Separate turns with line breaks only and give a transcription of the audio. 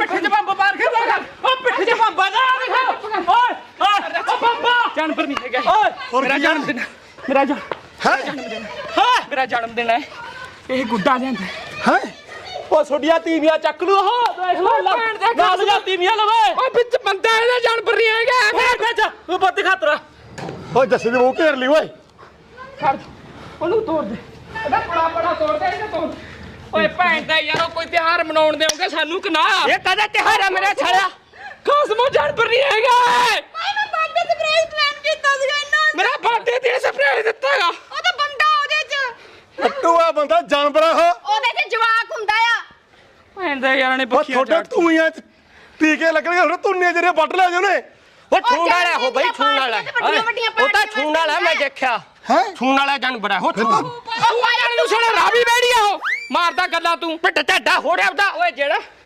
ਪਿੱਠੇ 'ਚ ਬੰਬ ਮਾਰ ਕੇ ਓ ਪਿੱਠੇ 'ਚ ਬੰਬ ਦਾ ਦਿਖਾ ਓਏ ਓ ਬੰਬਾ ਜਾਨਵਰ ਨਹੀਂ ਹੈਗਾ ਓਏ ਮੇਰਾ ਜਨਮ ਦਿਨ ਮੇਰਾ ਜਨਮ ਦਿਨ ਹੈ ਇਹ ਗੁੱਡਾ ਲਿਆਂਦਾ
ਹੈ
ਓ ਛੋਡੀਆਂ ਤੀਵੀਆਂ ਚੱਕ ਲੂ ਉਹ ਦੇਖ ਲੋ ਨਾਲ ਜਾਂ ਤੀਵੀਆਂ ਲਵੇ ਓ ਵਿੱਚ ਬੰਦਾ ਇਹਦਾ ਜਾਨਵਰ ਨਹੀਂ ਹੈਗਾ ਫੇਰ ਖਿੱਚ ਉਹ ਬੱਤ ਖਾਤਰਾ
ਓਏ ਜੱਸੇ ਦੇ ਮੂੰਹ ਘੇਰ ਲਈ ਓਏ
ਖੜ ਉਹਨੂੰ ਤੋੜ ਦੇ ਉਹਦਾ ਬੜਾ ਤੋੜ ਦੇ ਇਹਨੂੰ ਤੋੜ ਓਏ ਭੈਣ ਦਾ ਯਾਰੋ ਕੋਈ ਤਿਉਹਾਰ ਮਨਾਉਣ ਦੇਉਂਗੇ ਸਾਨੂੰ ਕਿ ਨਾ ਇਹ ਕਦਾ ਤਿਉਹਾਰ ਆ ਮੇਰਾ ਛੜਿਆ ਕਾਸਮੋ ਜਾਨਵਰ ਨਹੀਂ ਹੈਗਾ
ਭਾਈ ਮੈਂ ਬਰਥਡੇ ਸਰਪ੍ਰਾਈਜ਼ ਪਲਾਨ ਕੀਤਾ ਸੀਗਾ ਇਹਨਾਂ
ਮੇਰਾ ਬਰਥਡੇ ਤੇ ਸਰਪ੍ਰਾਈਜ਼ ਦਿੱਤਾਗਾ
ਉਹ ਤਾਂ ਬੰਦਾ ਉਹਦੇ ਚ
ਟੱਟੂ ਆ ਬੰਦਾ ਜਾਨਵਰ ਆ
ਉਹਦੇ ਚ ਜਵਾਕ ਹੁੰਦਾ ਆ
ਭੈਣ ਦਾ ਯਾਰਾਂ ਨੇ
ਉਹ
ਬੱਖੀਆਂ
ਤੁਹਾਡੇ ਧੂਈਆਂ ਚ ਟੀਕੇ ਲੱਗਣਗੇ ਹੁਣ ਧੁੰਨੇ ਜਿਹੜੇ ਵੱਢ ਲੈ ਜਾਣੇ
ਉਹ ਛੂਣ ਵਾਲਾ ਹੋ ਬਈ ਛੂਣ ਵਾਲਾ ਉਹ ਤਾਂ ਛੂਣ ਵਾਲਾ ਮੈਂ ਦੇਖਿਆ
ਹੈ
ਛੂਣ ਵਾਲਾ ਜਾਨਵਰ ਹੈ ਉਹ ਛੂਣ
ਉਹ ਯਾਰ ਨੂੰ ਛੜਾ ਰਾਵੀ ਬੈੜੀ ਆ ਉਹ ਮਾਰਦਾ ਗੱਲਾਂ ਤੂੰ
ਪਿੱਟ ਢੱਡਾ ਹੋ ਰਿਹਾ ਉਹਦਾ
ਓਏ ਜਿਹੜਾ